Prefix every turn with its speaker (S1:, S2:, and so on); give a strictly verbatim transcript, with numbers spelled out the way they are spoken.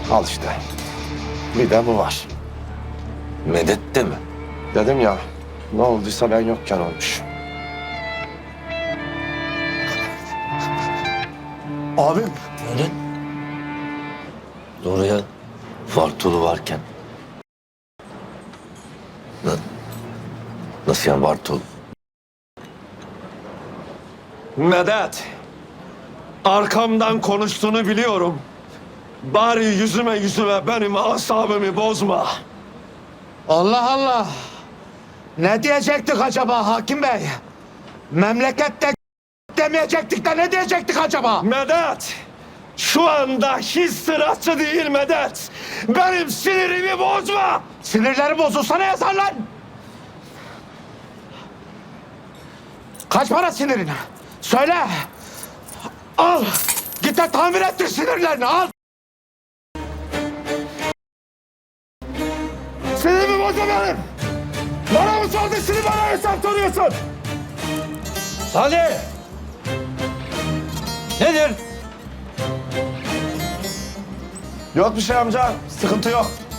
S1: Al işte. Bir de bu var.
S2: Medet de mi?
S1: Dedim ya, ne olduysa ben yokken olmuş.
S3: Abim.
S2: Medet? Doğru ya. Vartolu varken. Na- Nasıl yani Vartolu?
S1: Medet, arkamdan konuştuğunu biliyorum. Bari yüzüme yüzüme benim asabımı bozma.
S3: Allah Allah. Ne diyecektik acaba hakim bey? Memlekette demeyecektik de ne diyecektik acaba?
S1: Medet, şu anda hiç sırası değil Medet. Benim sinirimi bozma.
S3: Sinirleri bozulsa ne yazar lan? Kaç para sinirin? Söyle. Al. Git de tamir ettir sinirlerini al.
S1: Sinirimi bozma benim. Bana mı sordun şimdi bana hesap soruyorsun?
S2: Hadi! Nedir?
S1: Yok bir şey amca, sıkıntı yok.